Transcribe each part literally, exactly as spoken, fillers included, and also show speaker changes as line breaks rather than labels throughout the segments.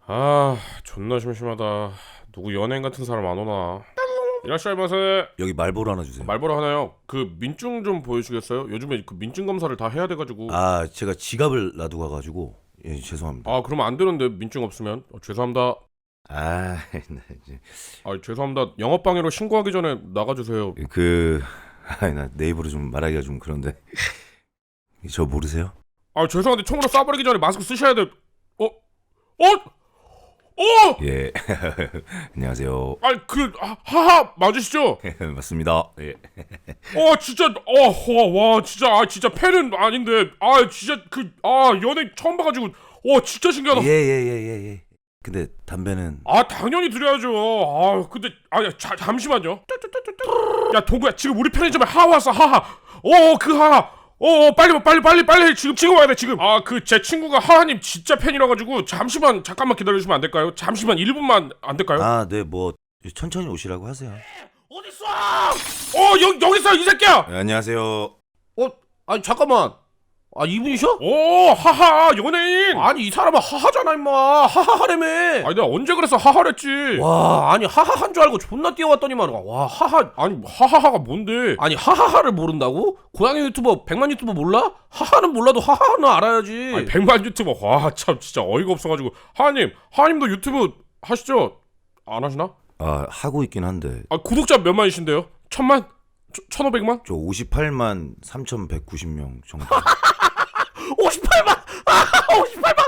아, 존나 심심하다. 누구 연예인 같은 사람 안 오나? 이라시아이마세.
여기 말보로 하나 주세요.
말보로 하나요? 그 민증 좀 보여주겠어요? 요즘에 그 민증 검사를 다 해야 돼가지고.
아, 제가 지갑을 놔두고 가가지고 예, 죄송합니다.
아, 그러면 안 되는데 민증 없으면. 어, 죄송합니다.
아, 나 이제
아, 죄송합니다. 영업방해로 신고하기 전에 나가주세요.
그 아, 나 내 입으로 좀 말하기가 좀 그런데 저 모르세요?
아, 죄송한데 총으로 쏴버리기 전에 마스크 쓰셔야 돼. 어? 어? 어?
예. 안녕하세요.
아, 그 하, 하하 맞으시죠?
맞습니다. 예.
어, 진짜 어와 진짜 아 진짜 팬은 아닌데 아 진짜 그 아 연예 처음 봐가지고 와 진짜 신기하다.
예예예예 예, 예. 근데 담배는
아 당연히 드려야죠. 아 근데 아 자, 잠시만요. 야 동구야 지금 우리 편의점에 하하 왔어 하하. 어 그 하하. 어 빨리 빨리 빨리 빨리 지금 지금 와야 돼 지금. 아 그 제 친구가 하하님 진짜 팬이라 가지고 잠시만 잠깐만 기다려주시면 안 될까요? 잠시만 일 분만 안 될까요?
아, 네, 뭐 천천히 오시라고 하세요.
어딨어? 어 여기 여기 있어 이 새끼야.
네, 안녕하세요.
어? 아니 잠깐만. 아 이분이셔?
오 하하 연예인.
아니 이 사람은 하하잖아 임마. 하하하래며.
아니 내가 언제 그랬어 하하랬지.
와 아니 하하한 줄 알고 존나 뛰어왔더니만 와 하하.
아니 하하하가 뭔데?
아니 하하하를 모른다고? 고양이 유튜버 백만 유튜버 몰라? 하하는 몰라도 하하는 알아야지.
아니 백만 유튜버 와 참 진짜 어이가 없어가지고 하하님 하하님도 유튜브 하시죠? 안 하시나?
아, 하고 있긴 한데
아 구독자 몇만이신데요? 천만? 천오백만?
저 오십팔만 삼천백구십 명 정도.
오십팔만. 아 오십팔만.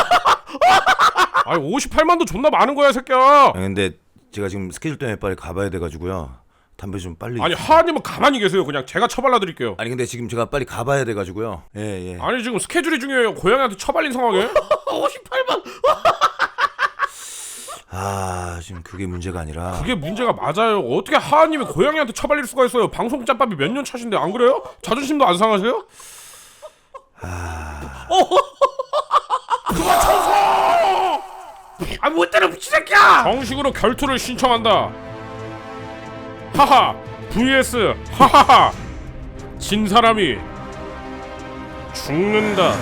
아니 오십팔만도 존나 많은 거야 새끼야.
아, 근데 제가 지금 스케줄 때문에 빨리 가봐야 돼가지고요. 담배 좀 빨리.
아니 하하님은 가만히 계세요. 그냥 제가 처발라드릴게요.
아니 근데 지금 제가 빨리 가봐야 돼가지고요. 예 예.
아니 지금 스케줄이 중요해요. 고양이한테 처발린 상황에.
오십팔만.
아, 지금 그게 문제가 아니라.
그게 문제가 맞아요. 어떻게 하하님이 고양이한테 처발릴 수가 있어요. 방송 짬밥이 몇 년 차신데 안 그래요? 자존심도 안 상하세요?
아,
그만 청소!
아뭐 때려 미친 새끼야.
정식으로 결투를 신청한다. 하하 vs 하하하. 진 사람이 죽는다.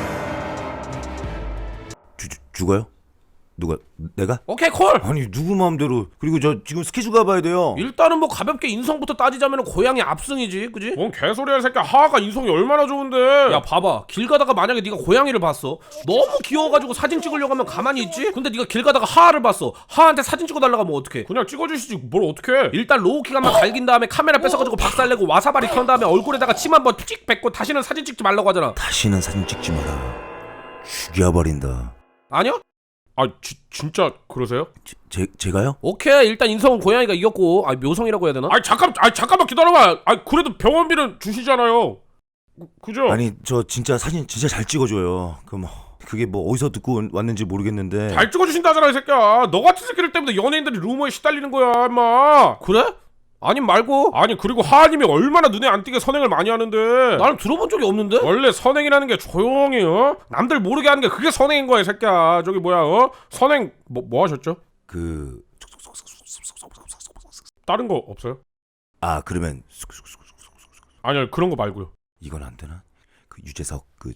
주, 주, 죽어요? 누가? 내가?
오케이 콜.
아니 누구 마음대로. 그리고 저 지금 스케줄 가봐야 돼요.
일단은 뭐 가볍게 인성부터 따지자면 고양이 압승이지, 그지?
뭔 개소리야 새끼. 하하가 인성이 얼마나 좋은데.
야 봐봐, 길 가다가 만약에 네가 고양이를 봤어. 너무 귀여워가지고 사진 찍으려고 하면 가만히 있지? 근데 네가 길 가다가 하하를 봤어. 하하한테 사진 찍어달라고 하면 어떡해?
그냥 찍어주시지 뭘 어떡해.
일단 로우킥 한번 갈긴 다음에 카메라 뺏어가지고 박살내고 와사바리 턴 다음에 얼굴에다가 침 한번 찍 뱉고 다시는 사진 찍지 말라고 하잖아.
다시는 사진 찍지 마라. 죽여버린다.
아니야?
아 지, 진짜 그러세요?
제, 제, 제가요?
오케이, 일단 인성은 고양이가 이겼고, 아 묘성이라고 해야 되나?
아니 잠깐 아니 잠깐만 기다려봐. 아 그래도 병원비는 주시잖아요. 그, 그죠?
아니 저 진짜 사진 진짜 잘 찍어줘요. 그 뭐 그게 뭐 어디서 듣고 왔는지 모르겠는데.
잘 찍어주신다잖아 이 새끼야. 너 같은 새끼들 때문에 연예인들이 루머에 시달리는 거야 임마.
그래? 아님 말고.
아니 그리고 하하님이 얼마나 눈에 안 띄게 선행을 많이 하는데.
나는 들어본 적이 없는데?
원래 선행이라는 게 조용히 어? 남들 모르게 하는 게 그게 선행인 거야 이 새끼야. 저기 뭐야 어? 선행 뭐, 뭐 하셨죠?
그
다른 거 없어요?
아, 그러면
아니요 그런 거 말고요.
이건 안 되나? 그 유재석 그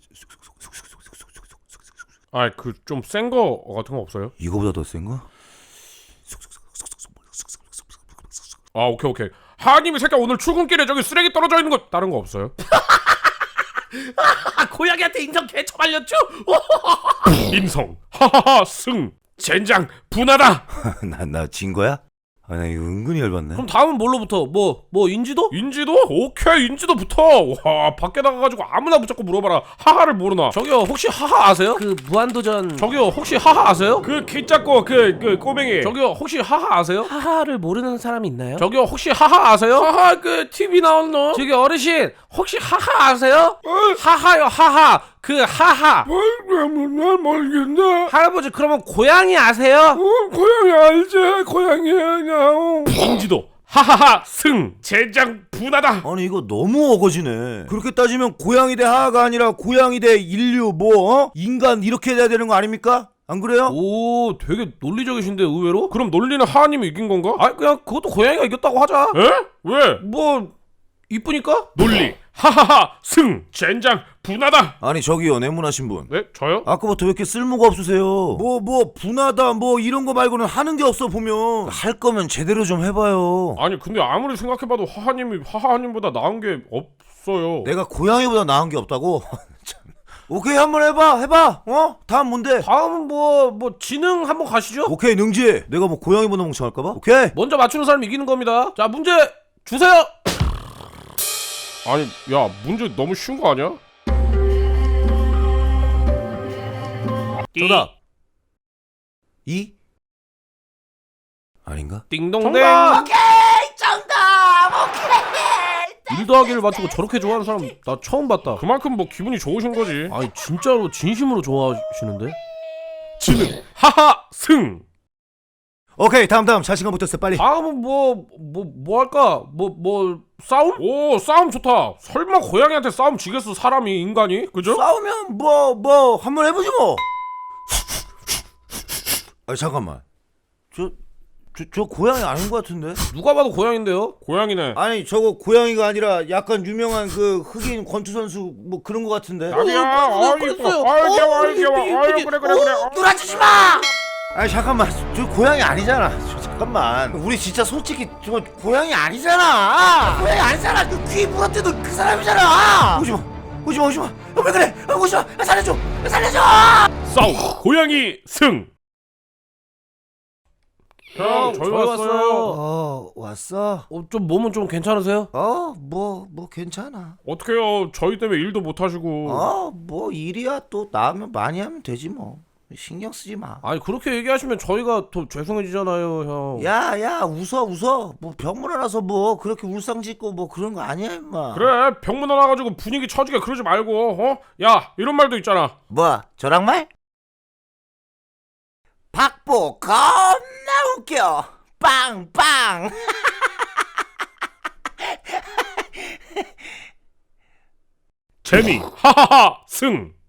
아 그 좀 센 거 같은 거 없어요?
이거보다 더 센 거?
아 오케이 오케이. 하하님이 새끼야 오늘 출근길에 저기 쓰레기 떨어져 있는 거 다른 거 없어요?
아 고양이한테 인성 개처 말렸죠?
인성 하하하 승 젠장 분하다.
나 나 진 거야? 아, 나 이거 은근히 열받네.
그럼 다음은 뭘로부터? 뭐, 뭐 인지도?
인지도? 오케이 인지도부터. 와 밖에 나가가지고 아무나 붙잡고 물어봐라. 하하를 모르나?
저기요 혹시 하하 아세요? 그 무한도전. 저기요 혹시 하하 아세요?
그 키 작고 그 그 꼬맹이.
저기요 혹시 하하 아세요?
하하를 모르는 사람이 있나요?
저기요 혹시 하하 아세요?
하하 그 티비 나온 너.
저기 어르신 혹시 하하 아세요? 하하요 하하 그 하하.
뭘 모르겠네.
할아버지 그러면 고양이 아세요?
고양이 알지? 고양이 그냥. 인지도 하하하 승 젠장 분하다.
아니 이거 너무 어거지네. 그렇게 따지면 고양이 대 하하가 아니라 고양이 대 인류 뭐 어? 인간 이렇게 돼야 되는 거 아닙니까? 안 그래요?
오 되게 논리적이신데 의외로?
그럼 논리는 하하님이 이긴 건가?
아 그냥 그것도 고양이가 이겼다고 하자.
에? 왜?
뭐 이쁘니까?
논리 하하하 승 젠장 분하다.
아니 저기요 내문하신 분.
네 저요?
아까부터 왜 이렇게 쓸모가 없으세요? 뭐 뭐 분하다 뭐 이런 거 말고는 하는 게 없어 보면. 할 거면 제대로 좀 해봐요.
아니 근데 아무리 생각해봐도 하하님이 하하님보다 나은 게 없어요.
내가 고양이보다 나은 게 없다고? 참. 오케이 한번 해봐 해봐. 어? 다음 뭔데?
다음은 뭐 뭐 지능 한번 가시죠.
오케이 능지. 내가 뭐 고양이보다 멍청할까봐? 오케이.
먼저 맞추는 사람이 이기는 겁니다. 자 문제 주세요.
아니 야 문제 너무 쉬운 거 아니야?
정답.
이? 아닌가?
띵동댕.
정답!
일 더하기를 맞추고 저렇게 좋아하는 사람 나 처음 봤다.
그만큼 뭐 기분이 좋으신 거지.
아니 진짜로 진심으로 좋아하시는데?
지능 하하 승.
오케이 다음 다음 자신감 붙었어 빨리.
다음은 뭐 뭐 뭐 할까? 뭐 뭐 싸움?
오 싸움 좋다. 설마 고양이한테 싸움 지겠어 사람이 인간이 그죠?
싸우면 뭐 뭐 한번 해보지 뭐. 아 잠깐만. 저 저, 저 고양이 아닌 것 같은데?
누가 봐도 고양인데요?
고양이네.
아니 저거 고양이가 아니라 약간 유명한 그 흑인 권투 선수 뭐 그런 것 같은데?
아니야.
어,
아이
그랬어요.
이뻐. 아이
어,
귀여워. 아이
이쁘,
귀여워.
이쁘,
아유
이쁘.
그래 그래 그래. 어.
놀아주지 마! 아니 잠깐만 저 고양이 아니잖아. 저, 잠깐만 우리 진짜 솔직히 저 고양이 아니잖아. 고양이 아니잖아. 그 귀 물었대도 그 사람이잖아. 오지마 오지마 오지마. 어, 왜 그래? 어, 오지마. 아, 살려줘 살려줘.
싸움 고양이 승. 형 저희
저희
왔어요.
왔어요.
어 왔어?
어, 좀 몸은 좀 괜찮으세요?
어 뭐 뭐 괜찮아.
어떡해요 저희 때문에 일도 못 하시고.
어 뭐 일이야 또 나면 많이 하면 되지 뭐. 신경 쓰지 마.
아니 그렇게 얘기하시면 저희가 더 죄송해지잖아요 형.
야야 웃어 웃어. 뭐 병문 안아서 뭐 그렇게 울상짓고 뭐 그런 거 아니야 임마.
그래 병문 안와가지고 분위기 처지게 그러지 말고 어? 야 이런 말도 있잖아.
뭐 저랑 말? 박보 겁나 웃겨. 빵빵.
재미 하하하 승.